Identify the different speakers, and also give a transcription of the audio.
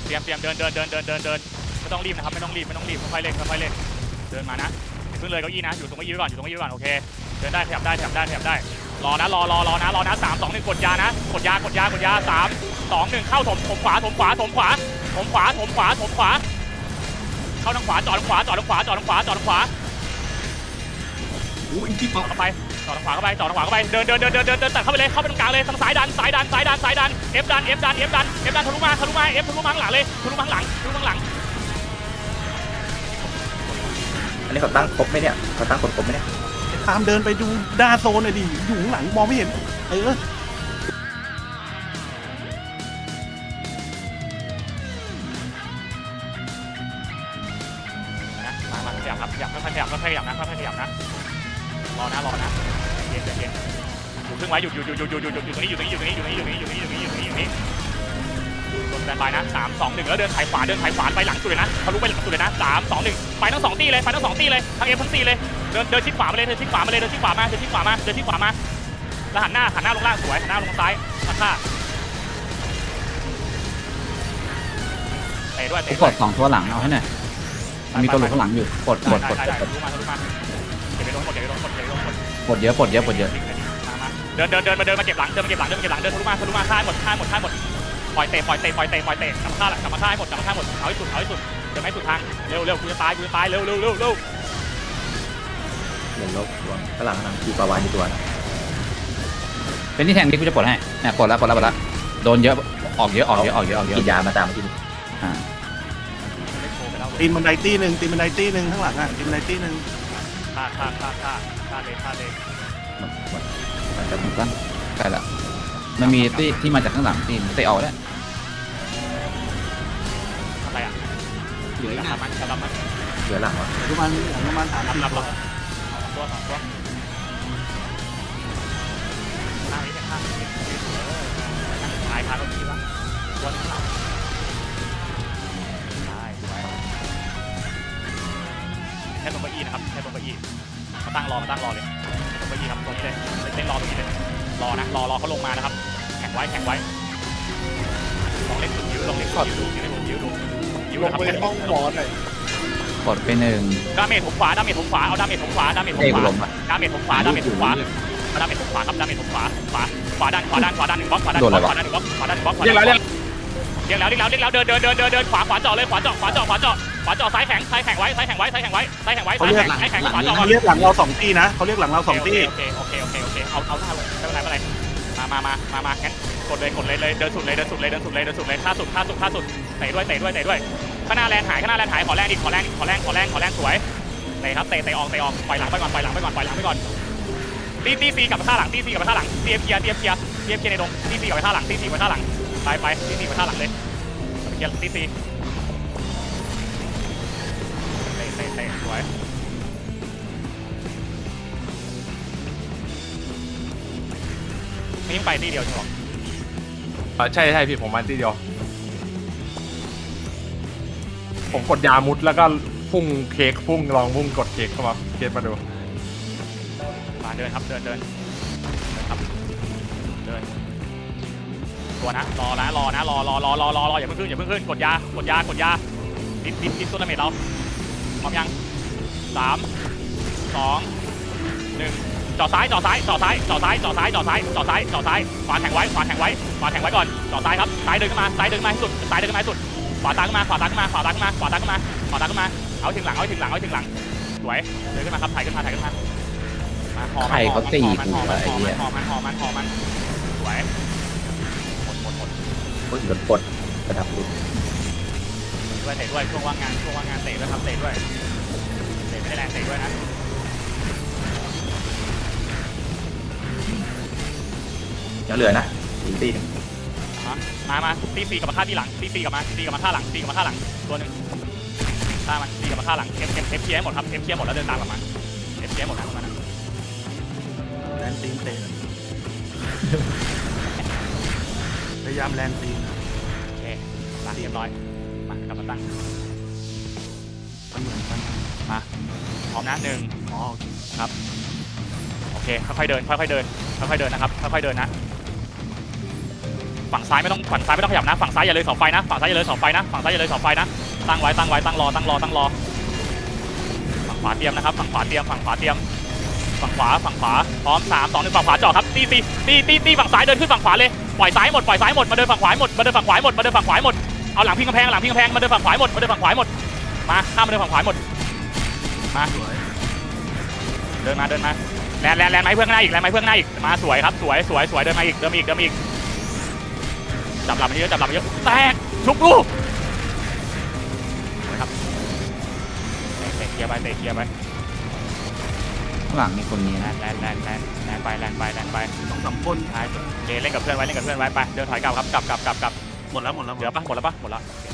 Speaker 1: เตรียมเดินไม่ต้องรีบนะครับไม่ต้องรีบค่อยๆเล่นเดินมานะขึ้นเลยเก้าอี้นะอยู่ตรงเก้าอี้ไว้ก่อนโอเคเดินได้ขยับได้รอนะรอนะ3 2 1กดยานะกดยา3 2 1เข้าถมขวาเข้าทางขวาจอดทางขวา
Speaker 2: อู้อีกที่ปอก
Speaker 1: เข้าไปจอดทางขวาเข้าไปเดินตัดเข้าไปเลยเข้าไปตรงกลางเลยทางซ้ายดันเอฟดันทะลุมาเอฟทะลุมาข้างหลังเลยทะลุมาข้างหลัง
Speaker 3: อันนี้เขาตั้งครบไหมเนี่ยเขาตั้งคนครบไหมเนี่ย
Speaker 2: ตามเดินไปดูหน้าโซนหน่อยดิอยู่ข้างหลังมองไม่เห็น
Speaker 1: มาขยับค่อยๆขยับนะรอนะเย็นอยู่ครึ่งไว้อยู่ตรงนี้โดนแบนบายนะ3 2 1แล้วเดินถ่ายขวาไปหลังสุดเลยนะทะลุไปหลังสุดเลยนะ3 2 1ไปทั้ง2ตีเลยทั้งเอฟทั้งซีเลยเดินชิดขวามาเลยเดินชิดขวามาแล้วหันหน้าลงล่างสวยหันหน้าลงซ้ายมาฆ่าเตะด้วย
Speaker 4: กด2ตัวหลังเอาให้หน่อยมีตัวหลุดข้างหลังอยู่กด
Speaker 1: ทะลุมาเดี๋ยวไปโดนกด
Speaker 4: ปลดเยอะ
Speaker 1: มาเดินมาเก็บหลังเดินทะลุมาฆ่าหมดปล่อยเตะกลับมาฆ่าให้หมดเอาให้สุดเดินไม่สุดทางเร็วกูจะตายเร็ว
Speaker 3: เดี๋ยวลบข้างหลังมีปลาวานอยู่ตัวนะ
Speaker 4: เป็นที่แทงที่กูจะปลดให้เนี่ยปลดแล้วโดนเยอะออกเยอะ
Speaker 3: กินยามาตามมากิน
Speaker 2: ตีนบันไดตีหนึ่งข้างหลังตีนบันไดตีหนึ่ง
Speaker 1: ฆ่าเลย
Speaker 3: มันจะ
Speaker 4: ตั้งใกล้ละมันมีที่มาจากข้างหลังที่เตะออกแล้ว
Speaker 1: อะไรอ่ะเหลือกับมัน
Speaker 3: เหลือหลังวะ
Speaker 2: ประมาณ3 4
Speaker 1: รับ
Speaker 2: ตัว
Speaker 1: ตัวข้างนี้ข้างตายคาตรงนี้วะตัวข้างหลังแค่ตรงเก้าอี้นะครับมาตั้งรอเลยตรงเก้าอี้ครับตรงนี้เลยเล่นรอตรงนี้เลยรอเขาลงมานะครับแข่งไว้ลองเล่นสุดยื้อดูนะครับ
Speaker 2: ไปห้องหมอหน่อย
Speaker 4: กดไป1
Speaker 1: ดาเมจผมขวาเอาดาเมจผมขวาครับดาเมจผมขวาครับดาเมจผมขวาขวาดัน1 บล็อกขวาดัน1 บล็อกเรียกแล้วเดินขวาเจาะเลยขวาเจาะซ้ายแข็งไว้เขาเรียก
Speaker 2: หลังเรา2ตีนะเขาเรียกหลังเรา2ตี
Speaker 1: โอเคเอาหน้าลงไม่เป็นไรมางั้นกดเลยเดินสุดเลยท่าสุดเตะด้วยข้างหน้าแลนหายขอแรงอีกขอแรงสวยเตะครับเตะออกปล่อยหลังไปก่อนตีซีกลับมาท่าหลังเตรียมเคลียร์ในดงตีซีกลับมาท่าหลังไปตีซีกลับมาท่าหลังเลยเคลียร์ตีซีเตะสวยไม่ยังไปตีเดียวใช่หรอ
Speaker 5: ใช่พี่ผมมาทีเดียวผมกดยามุดแล้วก็พุ่งลองพุ่งกดเค้กเข้ามาเค้กมาดู
Speaker 1: มาเดินครับเดินตัวนะรออย่าเพิ่งขึ้นกดยาดิดตัวดาเมจเราพร้อมยัง3 2 1จ่อซ้ายขวาแข่งไว้ก่อนจ่อซ้ายครับซ้ายเดินขึ้นมาให้สุดขวาตามขึ้นมาเอาถึงหลังสวยเดินขึ้นมาครับถ่ายขึ้นมาหอมันสวยหมด
Speaker 3: โดนปลดกระดับดู
Speaker 1: เตะด้วยช่วงว่างงานเตะด้วยครับเตะด้วยไม่ได้แรงเตะด้วยนะ
Speaker 3: ยังเหลือนะตีนึง
Speaker 1: มาตีซีกับมาท่าที่หลังตีกับมาท่าหลังตัวนึงท่ามันตีกับมาท่าหลังเอฟเคลียร์หมดครับเอฟเคลียร์หมดแล้วเดินตามกลับมาเอฟเคลียร์หมดแล้วนะ
Speaker 2: แลนตีนเตะพยายามแลนตีน
Speaker 1: โอเคตั้งเรียบร้อยมากลับมาตั้ง
Speaker 2: มันเหมือนกัน
Speaker 1: มาพร้อมนะ1ครับโอเคค่อยๆเดินนะครับค่อยๆเดินนะไฟฝั่งซ้ายไม่ต้องขยับนะฝั่งซ้ายอย่าเลยเสาไฟนะฝั่งซ้ายอย่าเลยเสาไฟนะฝั่งซ้ายอย่าเลยเสาไฟนะตั้งไว้ตั้งรอฝั่งขวาเตรียมนะครับฝั่งขวาเตรียมฝั่งขวาพร้อม3 2 1ฝั่งขวาจ่อครับตีฝั่งซ้ายเดินขึ้นฝั่งขวาเลยปล่อยซ้ายหมดมาเดินฝั่งขวาหมดเอาหลังพิงกำแพงมาเดินฝั่งขวาหมดมาข้ามมาเดินฝั่งขวาหมดมาเดินมาแลนไม้เพื่อนหน้าอีกมาสวยครับสวยเดินมาอีกจับหลับมันเยอะแตกชุบลูกนะครับเตะเคลียร์ไป
Speaker 4: ข้างหลังมีคนนี้นะ
Speaker 1: แลนไป
Speaker 2: 2-3 คน
Speaker 1: เล่นกับเพื่อนไว้ไปเดินถอยกลับครับกลับ
Speaker 2: หมดแล้ว
Speaker 1: เหลือปะหมดแล้ว